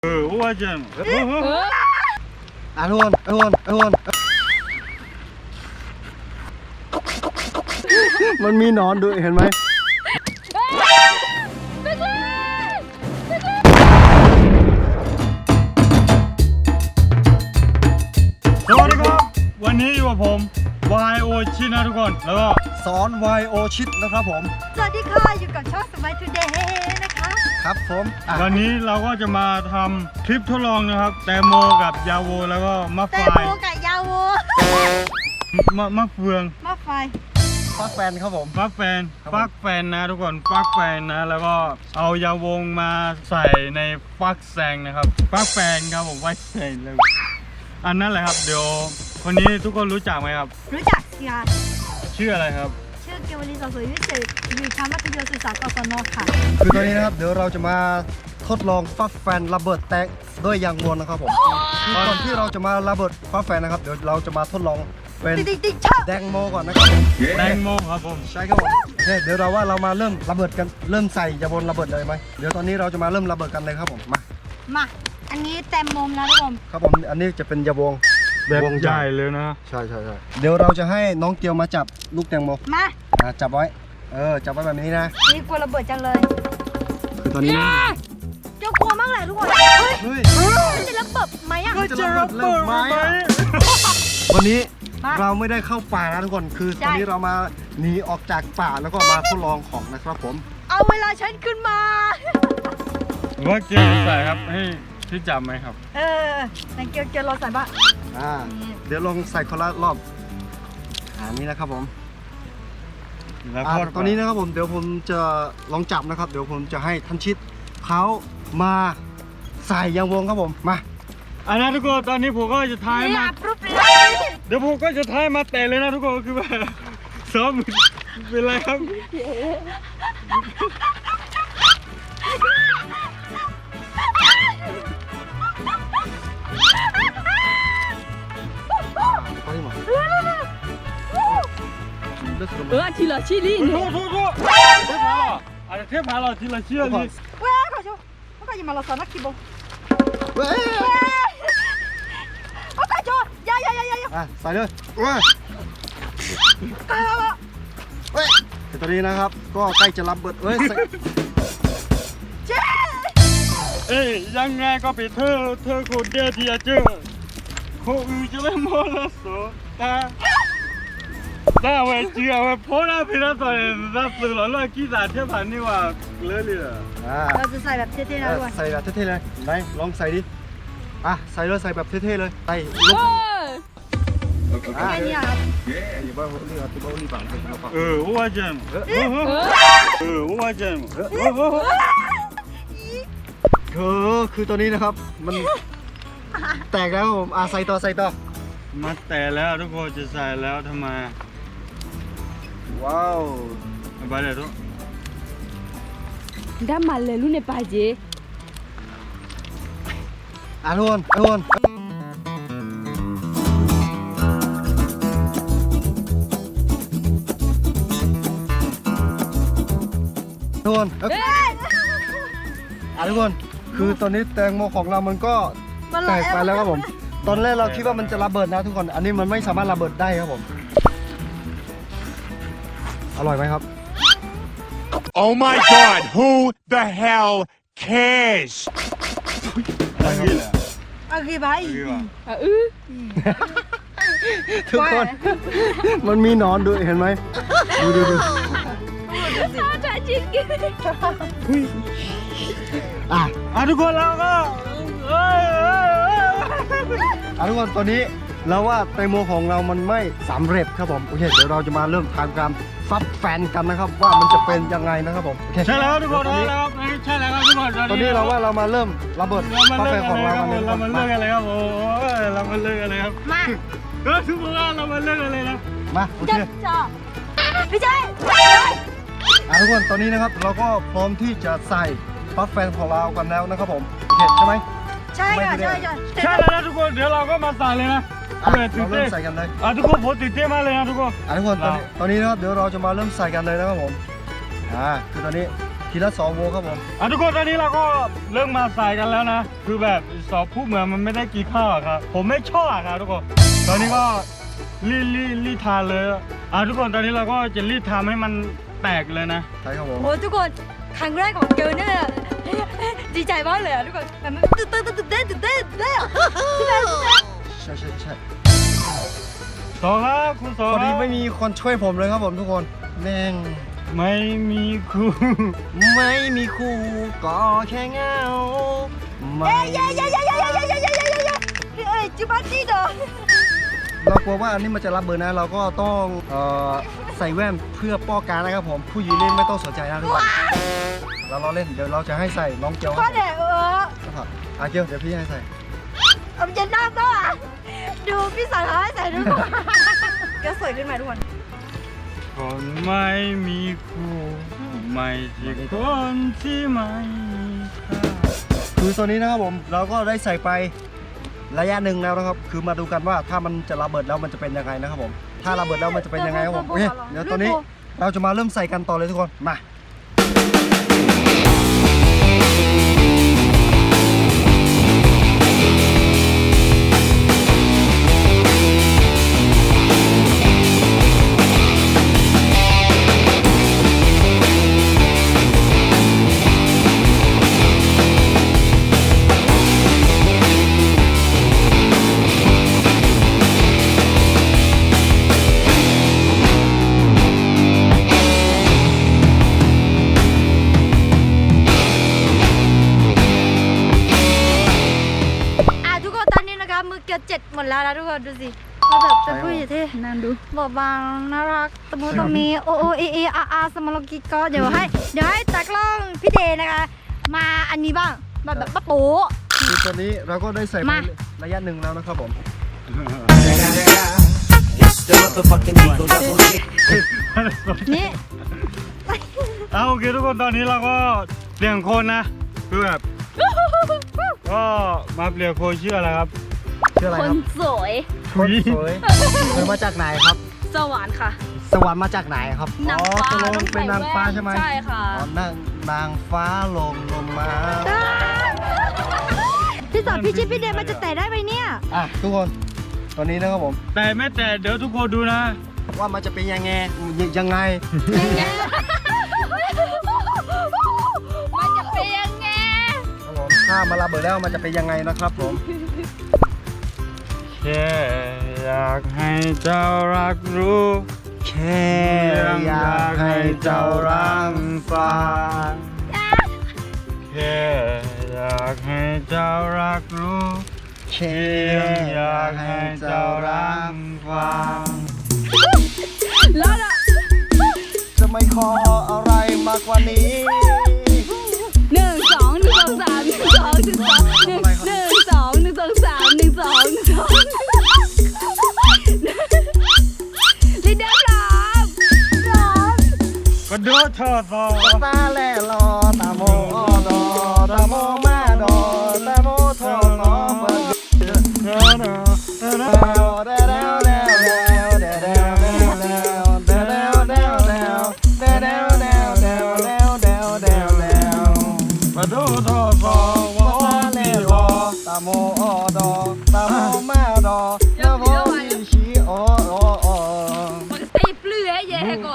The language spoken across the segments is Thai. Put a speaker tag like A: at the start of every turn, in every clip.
A: ว่าจัง
B: ทุกคนมันมีหนอนด้วยเห็นไหม
A: สวัสดีครับวันนี้อยู่กับผมวายโอชินะทุกคนแล้วก็
B: สอนไวโอชิดนะครับผม
C: สวัสดีค่ะอยู่กับช่องสมัยทูเดย์นะคะ
B: ครับผม
A: วันนี้เราก็จะมาทำคลิปทดลองนะครับแตงโมกับยาโวแล้วก็มะไฟ
C: แตงโมกับยาโว
A: มะเฟือง
C: มะไฟ
B: ฟักแฟนครับผม
A: ฟักแฟนนะทุกคนฟักแฟนนะแล้วก็เอายาวงมาใส่ในฟักแซงนะครับฟักแฟนครับผมไว้ใส่เลยอันนั้นแหละครับเดี๋ยวคนนี้ทุกคนรู้จักไหมครับ
C: รู้จักสิคะ
A: ชื่ออะไรครับ
C: ชื่อเกวลีสอสวยวิเศษอยู่ชั้นมัธยมศึกษากศน.ค่ะ
B: คือตอนนี้นะครับเดี๋ยวเราจะมาทดลองฟักแฟนระเบิดแตกด้วยยางวนนะครับผมก่อนที่เราจะมาระเบิดฟักแฟนนะครับเดี๋ยวเราจะมาทดลองเป็นแดงโมก่อนนะครับ
A: แดงโมครับผม
B: ใช่ครับผมเดี๋ยวเรามาเริ่มระเบิดกันเริ่มใส่ยาวนระเบิดเลยไหมเดี๋ยวตอนนี้เราจะมาเริ่มระเบิดกันเลยครับผม
C: มาอันนี้แตงโมนะทุกคน
B: ครับผมอันนี้จะเป็นยาวง
A: แบบใหญ่เลยนะ
B: ใช่เดี๋ยวเราจะให้น้องเกียวมาจับลูกแตงโม
C: มา
B: จับไว้จับไว้แบบนี้นะ
C: นี่กลัวระเบิดจังเลย
B: คือตอนนี้
C: เจ้ากลัวมากเลยทุกคนเฮ้ยจะระเบิดไหมอ่ะ
B: จะระเบิดไหมวันนี้เราไม่ได้เข้าป่านะทุกคนคือตอนนี้เรามาหนีออกจากป่าแล้วก็มาทดลองของนะครับผม
C: เอาเวลาฉันขึ้นมา
A: ว่าเกียวใส่ครับให้ที่จับไหมครับ
C: แต่เกียวเราใส่บ้าง
B: เดี๋ยวลองใส่คนละรอบนี้นะครับผม
A: แล้ว
B: ตอนนี้นะครับผมเดี๋ยวผมจะลองจับนะครับเดี๋ยวผมจะให้ท่านชิดเขามาใส่ยางวงครับผมมา
A: อันนั้นทุกคนตอนนี้ผมก็จะท้ายมาเดี๋ยวผมก็จะท้ายมาเตะเลยนะทุกคนคือแบบซ้อมเป็นไรครับ
D: ทีละชิ้นนี่
A: เทพาเราทีละชิ้นนี่
C: เว้ยขอชูเขาก็ยังมาเราสอนนักกีฬาเว้ยเขาขอชูยา
B: ใส่เลยตอนนี้นะครับก็ใกล้จะรับเบิด
A: ยังไงก็เป็นเธอคนเดียวที่จะเจอคนอื่นจะไม่มองแล้วแต่ว่าเชื่อว่าพอเราเป็นนักต่อยนักสื่อหล่อเลิศกีฬาเทียบพันนี่ว่าเลย
C: เราจะใส่แบบเท่ๆนะด้วย
B: ใส่แบบเท่ๆเลยไหนลองใส่ดิใส่เลยใส่แบบเท่ๆเลยใส่ลูก
C: แค่นี้ครับ
A: ว่าจังว่าจัง
B: คือตัวนี้นะครับมันแตกแล้วผมใส่ต่อ
A: มาแต่แล้วทุกคนจะใส่แล้วทำไม
B: ว้าว
A: ไปเลยทุก
D: ได้มาเลยลูกในป่าเจ
B: ทุกคนทุกคนคือตอนนี้แตงโมของเรามันก็แตกไปแล้วครับผมตอนแรกเราคิดว่ามันจะระเบิดนะทุกคนอันนี้มันไม่สามารถระเบิดได้ครับผมอร่อยไหมครับ
E: Oh my God who the hell cares
C: ไป
B: ทุกคนมันมีหนอนด้วยเห็นไหมดู
D: จะจริง
A: ทุกคนเราก็
B: ทุกคนตอนนี้เราว่าแตงโมของเรามันไม่สำเร็จครับผมโอเคเดี๋ยวเราจะมาเริ่มทำการฟักแฟนกันนะครับว่ามันจะเป็นยังไงนะครับผม
A: ใช่แล้วทุกคนใช่แล้วทุกคน
B: ตอนนี้เราว่าเรามาเริ่มระเบิดฟักแฟนของเรา
A: เรามาเลิกอะไรครับเรามาเลิกอะไรครับ
C: มา
A: ทุกคนเรามาเลิกอะไรนะ
B: มาโอเค
C: พี่ใจ
B: ทุกคนตอนนี้นะครับเราก็พร้อมที่จะใส่ฟักแฟนของเรากันแล้วนะครับผมโอเคใช่ไหม
C: ใช่
A: แล้วทุกคนเดี๋ยวเราก็มาใส่เลยนะ
B: เราเริ่มใส่กันเลย
A: ทุกคนผมตื่นเต้นมากเลยนะทุกคน
B: ทุกคนตอนนี้นะครับเดี๋ยวเราจะมาเริ่มใส่กันเลยนะครับผมคือตอนนี้ทีละ2โวครับผม
A: ทุกคนตอนนี้เราก็เริ่มมาใส่กันแล้วนะคือแบบสอบผู้เหมือนมันไม่ได้กี่ข้าวอะครับผมไม่ชอบอะครับทุกคนตอนนี้ก็รีดทานเลยทุกคนตอนนี้เราก็จะรีดทำให้มันแตกเลยนะ
B: ใช่ครับผม
C: โอ้ทุกคนครั้งแรกของเกิร์ลเนี่ยดีใจมากเลยอะทุกคนแบบมันตื่นเต้นอะใช่ไหม
B: ใช่
A: สองครับคุณสอง
B: พอดี
A: ครับ
B: ไม่มีคนช่วยผมเลยครับผมทุกคนแม่ง
A: ไม่มีครู
B: ไม่มีคู่ก็แค่เหงาไม่
C: เอ้ยจิบัตตี้เด้อ
B: เรากลัวว่าอันนี้มันจะรับเบอร์นะเราก็ต้องใส่แว่นเพื่อป้องกันนะครับผมผู้หญิงเล่นไม่ต้องสนใจนะทุกคนเราเล่นเดี๋ยวเราจะให้ใส่น้องเกียว
C: พ่อเด็ก
B: ครับเกียวเดี๋ยวพี่ให้ใส่
C: เอาเย็นหน้าก็อ่ะดูพี่สั่งให้ใส่ทุกคนก็สวยขึ้นมาทุกคน
A: คนไม่มีครูไม่ใช่คนที่ไม่มีค่า
B: คือตัวนี้นะครับผมเราก็ได้ใส่ไประยะหนึ่งแล้วนะครับคือมาดูกันว่าถ้ามันจะระเบิดแล้วมันจะเป็นยังไงนะครับผมถ้าระเบิดแล้วมันจะเป็นยังไงครับผมโอเคเดี๋ยวตัวนี้เราจะมาเริ่มใส่กันต่อเลยทุกคนมา
C: ทุกคนตอนนี้นะคะมือเกียว7หมดแล้วนะทุกคนดูสิเราแบบจะพูดอย่างที่
D: นั่นดู
C: บอกบางน่ารักตะมูตะมีโอโอเอเออาสมโลกิก็เดี๋ยวให้ตากล้องพี่เดนะคะ มาอันนี้บ้างแบบป้าโป๊
B: คือตัวนี้เราก็ได้ใส่ไประยะหนึ่งแล้วนะครับผม
C: นี่
A: โอเคทุกคนตอนนี้เราก็เปลี่ยนคนนะคือแบบก็มาเปลี่ยนคนชื่ออะไรครับ
B: ชื่ออะไร
D: ค
B: คน รับ
D: สวย
B: คนสวยเธอมาจากไหนครับ
D: สวรรค์ค่ะ
B: สวรรค์มาจากไหนครับ
D: นางฟ้า
B: ตกลง
D: ต้องใส่
B: เป็นนางฟ้าใช่ไหม
D: ใช่ค่ะ
B: อ๋อนางฟ้าลงมา
C: พี่สอนพี่ชิปพี่เดมันจะแตะได้ไหมเนี่ย
B: ทุกคนตอนนี้นะครับผม
A: แต่ไม่แต่เดี๋ยวทุกคนดูนะ
B: ว่ามันจะเป็นยังไง
D: มันจะเป็นยังไง
B: ครับผมถ้ามาระเบิดแล้วมันจะเป็นยังไงนะครับผม
A: แค่อยากให้เจ้ารักรู้
B: แค่อยากให้เจ้ารังฟัง
A: แค่อยากให้เจ้ารักรู้
B: แค่
A: อยากให้เจ้ารักฟัง
D: แล้วล่ะ
B: จะไม่ขออะไรมากกว่านี้
D: 1 2 1 2 3 1 2 1 2 1 2 1 2 3 1 2 1 2ลีเดอร์พร้อม
A: ก็โดดเธอต่อ
B: ตาแลรอตาโมดอตาโมมาดอตาโมทอมอเปิด
A: ก็โดดเธอต่อว่า
B: ตาแลรอตาโมดอตาโมมาดอตาโมมีชีโอโอโอ
D: มันใส่เปลือยแย่ก่อน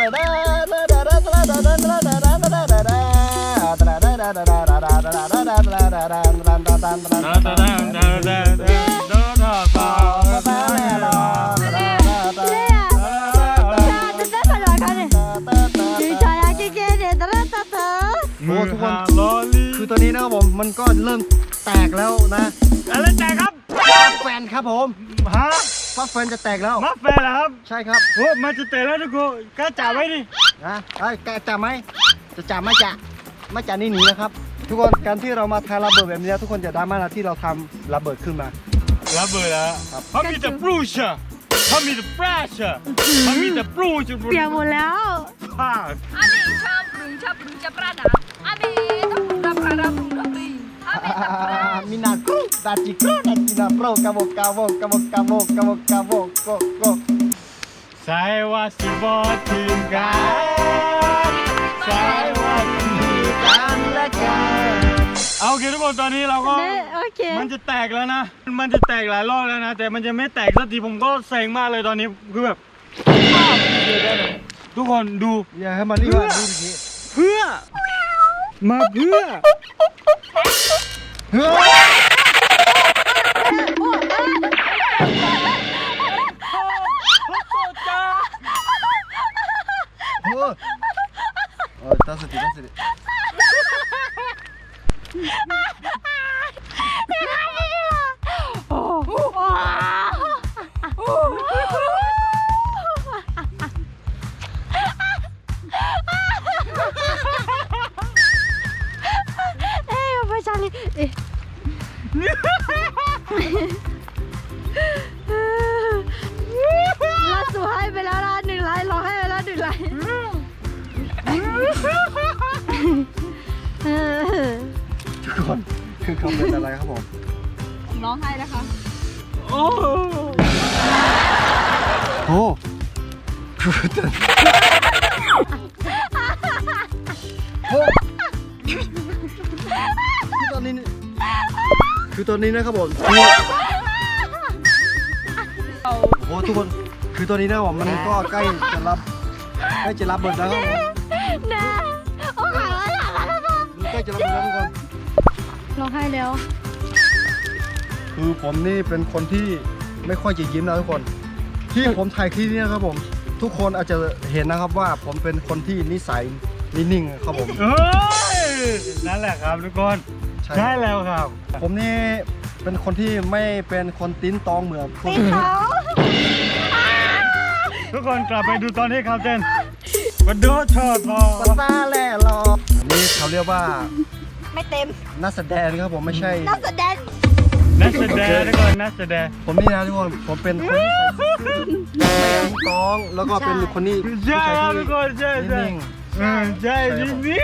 B: โอ้ทุกคนคือตอนนี้นะครับผมมันก็เริ่มแตกแล้วนะ
A: อะไรแตกครับ
B: ฟักแฟนครับผม
A: ฮะ
B: ฟักแฟนจะแตกแล้ว
A: มาแฟนเหรอครับ
B: ใช่ครับ
A: โอ้มันจะแตกแล้วทุกคนกล้าจ่าไว้ดิ
B: นะจะไหมจะจับไม่จะไม่จะนี่หนีนะครับ ทุกคนการที่เรามาทายระเบิดแบบนี้ทุกคนจะดราม่านะที่เราทำระเบิดขึ้นมา
A: ระเบิดแล้วเขามีแต่ปลูชะเขามีแต่ปราชะเขามีแต่ปลูชะ
C: เปียกหมดแล้ว
A: ผ้า
D: อาเมชอบปรุงจะประดับอาเมต้องรับประดับปรุงรับปรุงอาเมต้องประดับ
B: มินากรุดาจิกรุดาจินาโปรกาโบกาโบกาโบกาโบกาโบกาโบโกโก
A: ใส่ว่าสิบอทีมกันใส่ว่าสิ
B: กันและกัน
A: เอาโอเคทุกคนตอนนี้เราก็
C: โอเค
A: มันจะแตกแล้วนะ มันจะแตกหลายรอบแล้วนะ แต่มันจะไม่แตกสักทีผมก็เซ็งมากเลยตอนนี้คือแบบทุกคนดู
B: อย่าให้มันรีบมาดูที
A: เพื่อ มาเพื่อ
B: เฮ้ยตั้งสติตั้งสติ
C: เอ้ยไม่ใช่เลยเอ๊ะล่าสุดให้ไปแล้วนะ1 ไลค์รอให้ไปแล้ว1 ไลค์
B: ทุกคนคือเขาเป็นอะไรครับผม
D: ร้องไห้นะคะ
A: โอ้
B: โอ้คือตอนนี้นะครับผมโอ้ทุกคนคือตอนนี้นะผมมันก็ใกล้จะรับเบิดแล้วครับผม
C: นะโอ้ย
B: มันใกล้จะรับเบิดแล้วทุกคน
C: ร้องไห้แล้ว
B: คือผมนี่เป็นคนที่ไม่ค่อยจะยิ้มนะทุกคน ที่ผมถ่ายคลิปนี้นะครับผม ทุกคนอาจจะเห็นนะครับว่าผมเป็นคนที่นิสัยนิ่งๆครับผม
A: เอ้ยนั่นแหละครับทุกคน ใช่แล้วครับ
B: ผมนี่เป็นคนที่ไม่เป็นคนติ้นตองเหมือนพวก
C: ตีเขา
A: ทุกคนกลับไปดูตอนนี้ครับเจนมาดูชอตพอ
B: ภาษาแหล่หรอนี่เขาเรียกว่า
C: ไม่เต็ม
B: นักแสดงครับผมไม่ใช่
C: นักแสดง
A: นักแสดงทุกคนนักแสดง
B: ผมนี่นะทุกคนผมเป็นคนที่ใส่ซื่อไม่ติ้นตองแล้วก็เป็นคนที่
A: ใช่ครับทุ
B: ผู้
A: กคนใช่
B: ชาย
A: ใช่
B: ที่นิ่ง
A: ใช่จริงนี่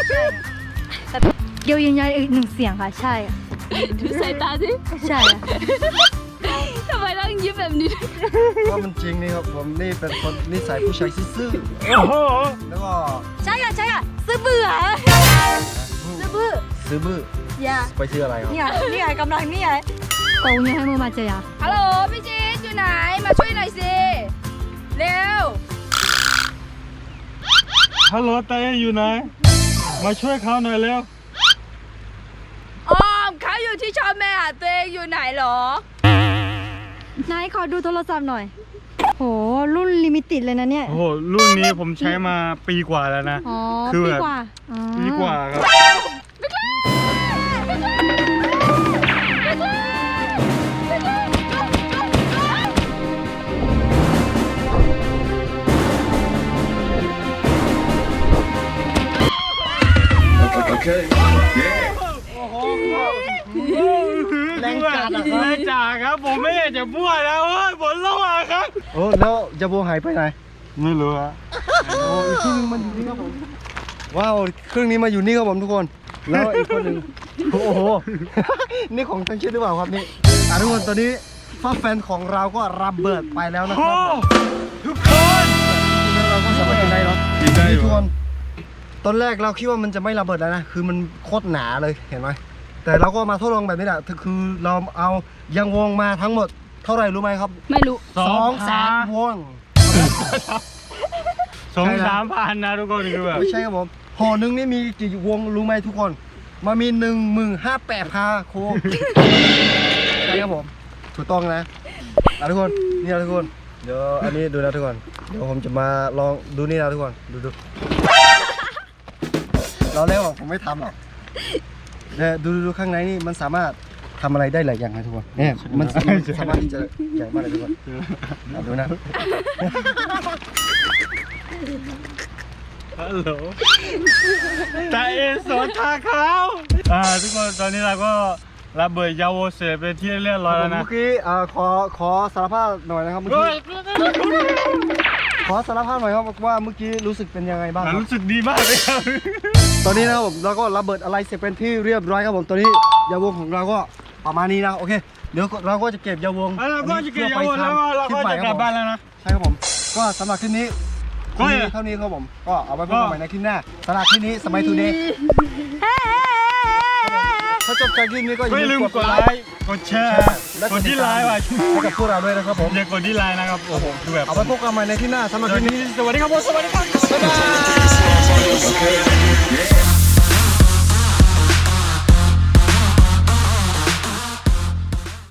C: เดี๋ยวยืนยันอีก1 เสียงค่ะ ใช่อะ
D: ดูสายตาสิ
C: ใช่อะ
D: ทำไมต้องยิ้มแบบนี้
B: ว่ามันจริงนี่ครับผมนี่เป็นคนนิสัยผู้ชายซื่อ
A: โอ้โห
B: ๆแล้วก็
C: ใช่อะใช่อะซื้อเบื่อซื้อเบื่อ
B: ซื้อบื้อ
C: อย่า
B: ไปซื้ออะไรครับ
C: นี่ไงกำลังนี่ไงโอ้ยให้มือมาเจออะ
D: ฮัลโหลพี่จีนอยู่ไหน มาช่วยหน่อยสิ เร็ว
A: ฮัลโหลเต้อยู่ไหนมาช่วยเขาหน่อยเร็ว
D: ออมเขาอยู่ที่ชอบแม่หาตัวเองอยู่ไหนหรอ
C: นายขอดูโทรศัพท์หน่อยโหรุ่นลิมิเต็ดเลยนะเนี่ย
A: โอ้โหรุ่นนี้ผมใช้มาปีกว่าแล้วนะ
C: อ๋อ
A: คือ
C: ปี
A: แบบ
C: กว่าอ๋อ
A: ปีกว่าครับ
B: แรงจัดอะครับ
A: แรงจ่าครับผมไม่อยากจะพูดแล้วเฮ้ยผลระหว่างครับ
B: โอ้แล้วจะโบหายไปไหน
A: ไม่รู้ฮะ
B: โอ้อีกครึ่งนึงมันอยู่นี่ครับผมว้าวเครื่องนี้มาอยู่นี่ครับผมทุกคน แล้วอีกคนหนึ่งโอ้โห นี่ของทั้งชิ้นหรือเปล่าครับนี่ทุกคนตอนนี้ฟ้าแฟนของเราก็ระเบิดไปแล้วนะค
A: โอ้
B: รับ
A: ทุกคน
B: เราก็สามารถกินได้เนาะ
A: กินได้อยู่
B: ทุกคนตอนแรกเราคิดว่ามันจะไม่ระเบิดแล้วนะคือมันโคตรหนาเลยเห็นไหมแต่เราก็มาทดลองแบบนี้แหละคือเราเอายางวงมาทั้งหมดเท่าไหร่รู้ไหมครับ
D: ไม่รู้
B: 2-3 วง
A: 2-3 พันนะทุกคนคือแบบ
B: ไม่ใช่ครับผมห่อหนึงนี่มีกี่วงรู้ไหมทุกคนมามี15,800พาโคใช่ครับผมถูกต้องนะทุกคนนี่นะทุกคนเดี๋ยวอันนี้ดูนะทุกคนเดี๋ยวผมจะมาลองดูนี่นะทุกคนดูเราเล่นผมไม่ทำหรอกเนี่ยดูข้างในนี่มันสามารถทำอะไรได้หลายอย่างนะทุกคนเนี่ยมันสามารถที่จะใหญ่มากเลยทุกคนดูนะ
A: ฮัลโหลแต่เอสอนทาเขาทุกคนตอนนี้เราก็ระเบิดยาโวเสร็จเป็นที่เรียบร้อยแล้วนะ
B: เมื่อกี้ขอสารภาพหน่อยนะครับเมื่อกี้ขอสารภาพหน่อยครับว่าเมื่อกี้รู้สึกเป็นยังไงบ้างครับ
A: รู้สึกดีมากเลยครับ
B: ตอนนี้นะครับผมเราก็ระเบิดอะไรเสร็จเป็นที่เรียบร้อยครับผมตอนนี้ยาวงของเราก็ประมาณนี้นะโอเคเดี๋ยวเราก็จะเก็บยาวง
A: เราก็จะเก็บยาโวแล้วเราก็จะกลับบ้านแล้วนะ
B: ใช่ครับผมก็สำหรับคลิปนี้
A: ก็
B: มีเท่านี้ครับผมก็เอาไว้พบกันใหม่ในคลิปหน้าสำหรับที่นี้สมัยทูเดย์ถ้าจบจากคลิปนี้ก็
A: อย่าลืมกดไลค์กดแชร์กดที่ไลน์ไว้
B: ให้กับพวกเราด้วยนะครับผม
A: อย่ากดที่ไลน์นะครับโอ้โหคือแบบ
B: เอาไว้พบกันใหม่ในคลิปหน้าสำหรับคลิปนี้
A: สวัสดีครับผมสวัสดีครับ
B: บ๊ายบาย